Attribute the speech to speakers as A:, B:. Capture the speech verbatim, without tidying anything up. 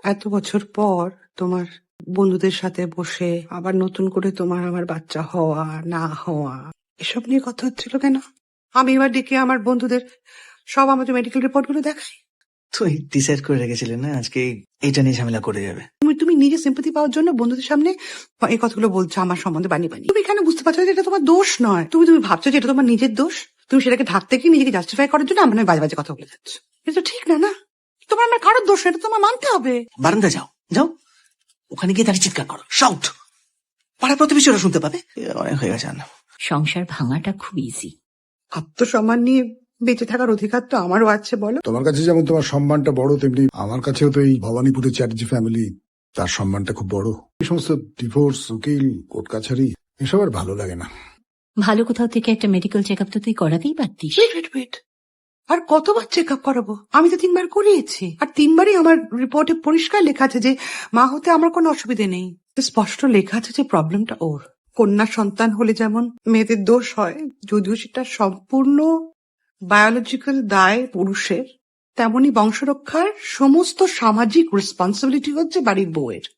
A: এত বছর পর তোমার বন্ধুদের সাথে বসে আবার নতুন করে তোমার আমার বাচ্চা হওয়া না হওয়া এসব নিয়ে কথা হচ্ছিল কেন? আমি এবার ডেকে আমার বন্ধুদের সব আমাদের মেডিকেল রিপোর্ট গুলো দেখাই।
B: তুই ডিসাইড করে রেখেছিলেন না আজকে এইটা নিয়ে ঝামেলা করে যাবে।
A: তুমি তুমি নিজে সিম্পাথি পাওয়ার জন্য বন্ধুদের সামনে এই কথাগুলো বলছো আমার সম্বন্ধে বানিয়ে বানিয়ে। তুমি কেন বুঝতে পারছো যে এটা তোমার দোষ নয়? তুমি তুমি ভাবছো যে এটা তোমার নিজের দোষ। তুমি সেটাকে ঢাকতে গিয়ে নিজেকে জাস্টিফাই করার জন্য আমার বাজে বাজে কথা বলে যাচ্ছ। এটা তো ঠিক না। না তোমার আমার কারোর দোষ না, এটা তোমার মানতে হবে।
B: বারান্দা যাও যাও, ওখানে গিয়ে দাঁড়িয়ে চিৎকার করো, শাউট। পাড়া প্রতিবেশীরা শুনতে পাবে। অনেক হয়ে গেছে। না,
C: সংসার ভাঙাটা খুব ইজি।
A: আত্মসম্মান নিয়ে বেঁচে থাকার অধিকার তো আমারও আছে। বলো,
D: তোমার কাছে যেমন তোমার সম্মানটা বড়, তেমনি আমার কাছেও তো এই ভবানীপুরের চ্যাটার্জি ফ্যামিলি, তার সম্মানটা খুব বড়। এই সমস্ত ডিভোর্স, উকিল, কোর্ট কাছারি এসব আর ভালো লাগে না।
C: ভালো কোথাও থেকে একটা মেডিকেল চেক আপ তো তুই করাতেই পারতিস।
A: ওয়েট ওয়েট ওয়েট আর কতবার চেক আপ করাবো? আমি তো তিনবার করিয়েছি, আর তিনবারই আমার রিপোর্টে পরিষ্কার লেখা আছে যে মা হতে আমার কোনো অসুবিধে নেই। স্পষ্ট লেখা আছে যে প্রবলেমটা ওর। কন্যা সন্তান হলে যেমন মেয়েদের দোষ হয়, যদিও সেটা সম্পূর্ণ বায়োলজিক্যাল দায় পুরুষের, তেমনি বংশরক্ষার সমস্ত সামাজিক রেসপন্সিবিলিটি হচ্ছে বাড়ির বউয়ের।